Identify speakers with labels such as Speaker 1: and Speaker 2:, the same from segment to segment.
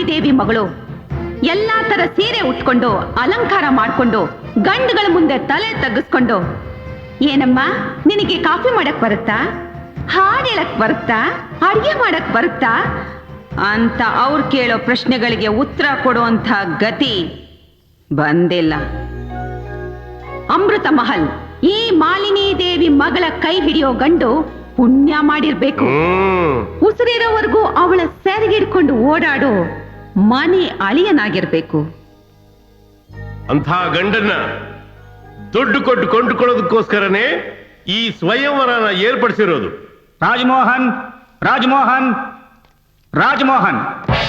Speaker 1: ದೇವಿ ಮಗಳು ಎಲ್ಲಾ ತರ ಸೀರೆ ಉಟ್ಕೊಂಡು ಅಲಂಕಾರ ಮಾಡ್ಕೊಂಡು ಗಂಡುಗಳ ಮುಂದೆ ತಲೆ ತಗ್ಗಿಸ್ಕೊಂಡು ಏನಮ್ಮ ನಿನಗೆ ಕಾಫಿ ಮಾಡಕ್ ಬರುತ್ತಾ, ಹಾಡು ಹೇಳಕ್ ಬರುತ್ತಾ, ಅಡಿಗೆ ಮಾಡಕ್ ಬರುತ್ತಾ ಅಂತ ಅವ್ರು ಕೇಳೋ ಪ್ರಶ್ನೆಗಳಿಗೆ ಉತ್ತರ ಕೊಡುವಂಥ ಗತಿ ಬಂದಿಲ್ಲ. ಅಮೃತ ಮಹಲ್ ಈ ಮಾಲಿನಿ ದೇವಿ ಮಗಳ ಕೈ ಹಿಡಿಯೋ ಗಂಡು ಪುಣ್ಯ ಮಾಡಿರ್ಬೇಕು. ಉಸಿರಿರೋವರೆಗೂ ಅವಳ ಸೆರಗಿಡ್ಕೊಂಡು ಓಡಾಡೋ ಮನೆ ಅಳಿಯನಾಗಿರ್ಬೇಕು.
Speaker 2: ಅಂಥ ಗಂಡನ್ನ ದುಡ್ಡು ಕೊಟ್ಟು ಕೊಂಡುಕೊಳ್ಳೋದಕ್ಕೋಸ್ಕರನೇ ಈ ಸ್ವಯಂವರನ ಏರ್ಪಡಿಸಿರೋದು.
Speaker 3: ರಾಜಮೋಹನ್, ರಾಜಮೋಹನ್, ರಾಜಮೋಹನ್.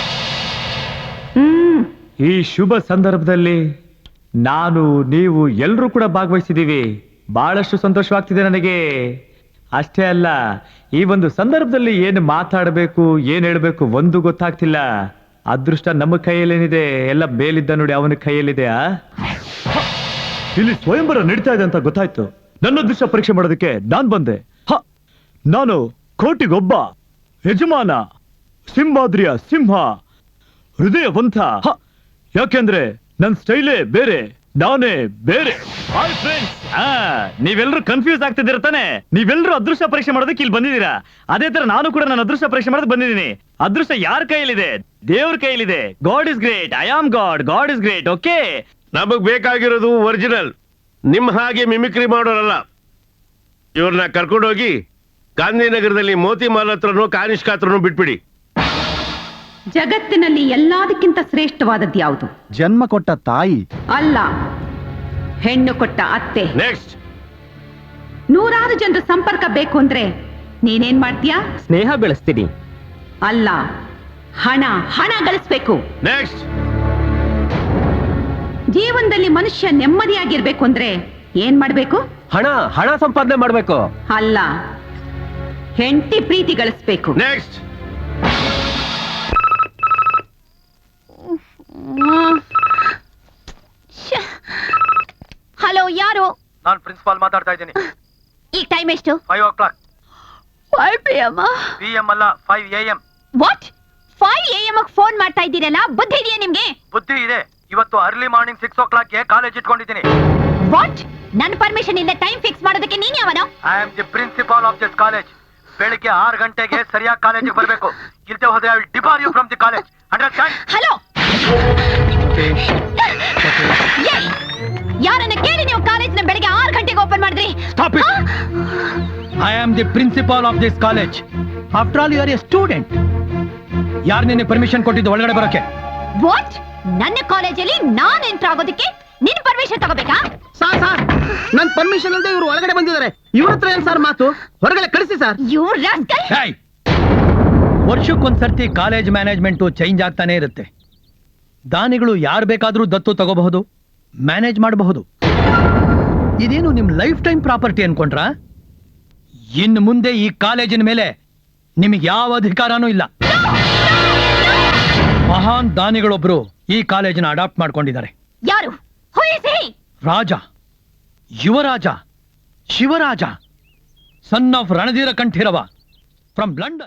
Speaker 3: ಈ ಶುಭ ಸಂದರ್ಭದಲ್ಲಿ ನಾನು, ನೀವು ಎಲ್ಲರೂ ಕೂಡ ಭಾಗವಹಿಸಿದ್ದೀವಿ. ಬಹಳಷ್ಟು ಸಂತೋಷವಾಗ್ತಿದೆ ನನಗೆ. ಅಷ್ಟೇ ಅಲ್ಲ, ಈ ಒಂದು ಸಂದರ್ಭದಲ್ಲಿ ಏನು ಮಾತಾಡಬೇಕು, ಏನು ಹೇಳಬೇಕು ಒಂದು ಗೊತ್ತಾಗ್ತಿಲ್ಲ. ಅದೃಷ್ಟ ನಮ್ಮ ಕೈಯಲ್ಲೇನಿದೆ, ಎಲ್ಲ ಮೇಲಿದ್ದ ನೋಡಿ ಅವನ ಕೈಯಲ್ಲಿದೆ. ಇಲ್ಲಿ ಸ್ವಯಂವರ ನಡೀತಾ ಇದೆ ಅಂತ ಗೊತ್ತಾಯ್ತು. ನನ್ನ ಅದೃಷ್ಟ ಪರೀಕ್ಷೆ ಮಾಡೋದಕ್ಕೆ ನಾನ್ ಬಂದೆ. ನಾನು ಕೋಟಿಗೊಬ್ಬ ಯಜಮಾನ, ಸಿಂಹಾದ್ರಿಯ ಸಿಂಹ, ಹೃದಯವಂತ. ಯಾಕೆಂದ್ರೆ ನನ್ನ ಸ್ಟೈಲೇ ಬೇರೆ, ನಾನೇ ಬೇರೆ. ಹಾಯ್ ಫ್ರೆಂಡ್ಸ್, ನೀವೆಲ್ಲರೂ ಕನ್ಫ್ಯೂಸ್ ಆಗ್ತಿದ್ದೀರ ತಾನೆ? ನೀವೆಲ್ಲರೂ ಅದೃಷ್ಟ ಪರೀಕ್ಷೆ ಮಾಡೋದಕ್ಕೆ ಇಲ್ಲಿ ಬಂದಿದ್ದೀರಾ. ಅದೇ ತರ ನಾನು ಕೂಡ ನನ್ನ ಅದೃಷ್ಟ ಪರೀಕ್ಷೆ ಮಾಡೋದಕ್ಕೆ ಬಂದಿದ್ದೀನಿ. ಅದೃಷ್ಟ ಯಾರ ಕೈಯಲ್ಲಿದೆ? ದೇವ್ರ ಕೈಯಲ್ಲಿದೆ. God is great, I am God, God is great. Okay,
Speaker 2: ನಮಗ್ ಬೇಕಾಗಿರೋದು ಒರಿಜಿನಲ್, ನಿಮ್ಮ ಹಾಗೆ ಮಿಮಿಕ್ರಿ ಮಾಡೋರಲ್ಲ. ಇವ್ರನ್ನ ಕರ್ಕೊಂಡೋಗಿ ಗಾಂಧಿನಗರದಲ್ಲಿ ಮೋತಿಮಾಲ್ ಹತ್ರನೂ ಕಾನಿಷ್ಕ ಹತ್ರನೂ ಬಿಟ್ಬಿಡಿ.
Speaker 1: ಜಗತ್ತಿನಲ್ಲಿ ಎಲ್ಲದಕ್ಕಿಂತ ಶ್ರೇಷ್ಠವಾದದ್ದು ಯಾವುದು?
Speaker 4: ಜನ್ಮ ಕೊಟ್ಟ ತಾಯಿ
Speaker 1: ಅಲ್ಲ, ಹೆಣ್ಣು ಕೊಟ್ಟ ಅತ್ತೆ.
Speaker 2: ನೆಕ್ಸ್ಟ್,
Speaker 1: ನೂರಾರು ಜನರ ಸಂಪರ್ಕ ಬೇಕು ಅಂದ್ರೆ ನೀನೇನ್ ಮಾಡ್ತೀಯಾ?
Speaker 3: ಸ್ನೇಹ ಬೆಳೆಸ್ತೀನಿ.
Speaker 1: ಅಲ್ಲ, ಹಣ ಹಣ ಗಳಿಸ್ಬೇಕು.
Speaker 2: ನೆಕ್ಸ್ಟ್,
Speaker 1: ಜೀವನದಲ್ಲಿ ಮನುಷ್ಯ ನೆಮ್ಮದಿಯಾಗಿರ್ಬೇಕು ಅಂದ್ರೆ ಏನ್ ಮಾಡ್ಬೇಕು?
Speaker 3: ಹಣ ಹಣ ಸಂಪಾದನೆ ಮಾಡ್ಬೇಕು.
Speaker 1: ಅಲ್ಲ, ಹೆಂಡತಿ ಪ್ರೀತಿ ಗಳಿಸ್ಬೇಕು.
Speaker 2: ನೆಕ್ಸ್ಟ್,
Speaker 5: ಹಲೋ, ಯಾರು?
Speaker 3: ನಾನು ಪ್ರಿನ್ಸಿಪಾಲ್ ಮಾತಾಡ್ತಾ ಇದ್ದೀನಿ.
Speaker 5: ಈಗ ಟೈಮ್ ಎಷ್ಟು?
Speaker 3: 5 o'clock.
Speaker 5: 5 PM.
Speaker 3: PM ಅಲ್ಲ, 5 AM.
Speaker 5: ವಾಟ್? 5 AM ಫೋನ್ ಮಾಡ್ತಾ ಇದ್ದೀರಲ್ಲ, ಬುದ್ಧಿ ಇದೆಯಾ ನಿಮ್ಗೆ?
Speaker 3: ಬುದ್ಧಿ ಇದೆ. ಇವತ್ತು ಅರ್ಲಿ ಮಾರ್ನಿಂಗ್ 6 o'clock ಗೆ ಕಾಲೇಜ್ ಇಟ್ಕೊಂಡಿದ್ದೀನಿ.
Speaker 5: ವಾಟ್? ನನ್ನ ಪರ್ಮಿಷನ್ ಇಲ್ಲದೆ ಟೈಮ್ ಫಿಕ್ಸ್ ಮಾಡೋದಕ್ಕೆ ನೀನ್ ಯಾವನೋ?
Speaker 3: I am the principal of this college. ಬೆಳಿಗ್ಗೆ 6 ಗಂಟೆಗೆ ಸರಿಯಾಗಿ ಕಾಲೇಜಿಗೆ ಬರಬೇಕು. ಇಲ್ಲದೆ ಹೋದ್ರೆ I will debar you from the college. Understand?
Speaker 5: Hello, ಯಾರನ್ನ ಕೇಳಿ ನೀವು ಕಾಲೇಜ್ನ ಬೆಳಿಗ್ಗೆ 6 ಗಂಟೆಗೆ ಓಪನ್ ಮಾಡಿದ್ರಿ?
Speaker 6: Stop it! I am the principal of this college. After all, you are a student. ಯಾರು ನಿನ್ನೆ ಪರ್ಮಿಷನ್ ಕೊಟ್ಟಿದ್ದು ಒಳಗಡೆ ಬರೋಕೆ?
Speaker 5: ವಾಟ್? ನನ್ನ ಕಾಲೇಜಲ್ಲಿ ನಾನ್ ಎಂಟರ್ ಆಗೋದಕ್ಕೆ ನಿನ್ ಪರ್ಮಿಷನ್ ತಗೋಬೇಕಾ?
Speaker 4: ಸಾರ್ ನನ್ ಪರ್ಮಿಷನ್ ಇಲ್ಲದೆ ಇವರು ಒಳಗಡೆ ಬಂದಿದ್ದಾರೆ. ಇವ್ರ ಹತ್ರ ಏನ್ ಸರ್ ಮಾತು? ಹೊರಗಡೆ ಕಳಿಸಿ ಸರ್.
Speaker 5: You rascal!
Speaker 6: Hey! ವರ್ಷಕ್ಕೊಂದ್ಸರ್ತಿ ಕಾಲೇಜ್ ಮ್ಯಾನೇಜ್ಮೆಂಟು ಚೇಂಜ್ ಆಗ್ತಾನೆ ಇರುತ್ತೆ. ದಾನಿಗಳು ಯಾರು ಬೇಕಾದ್ರೂ ದತ್ತು ತಗೋಬಹುದು, ಮ್ಯಾನೇಜ್ ಮಾಡಬಹುದು. ಇದೇನು ನಿಮ್ ಲೈಫ್ ಟೈಮ್ ಪ್ರಾಪರ್ಟಿ ಅನ್ಕೊಂಡ್ರಾ? ಇನ್ನು ಮುಂದೆ ಈ ಕಾಲೇಜಿನ ಮೇಲೆ ನಿಮಗೆ ಯಾವ ಅಧಿಕಾರನೂ ಇಲ್ಲ. ಮಹಾನ್ ದಾನಿಗಳೊಬ್ರು ಈ ಕಾಲೇಜನ್ನ ಅಡಾಪ್ಟ್ ಮಾಡ್ಕೊಂಡಿದ್ದಾರೆ.
Speaker 5: ಯಾರು? Who is he?
Speaker 6: Raja, Yuvaraja, Shivaraja, son of Ranadheera Kanteerava from London.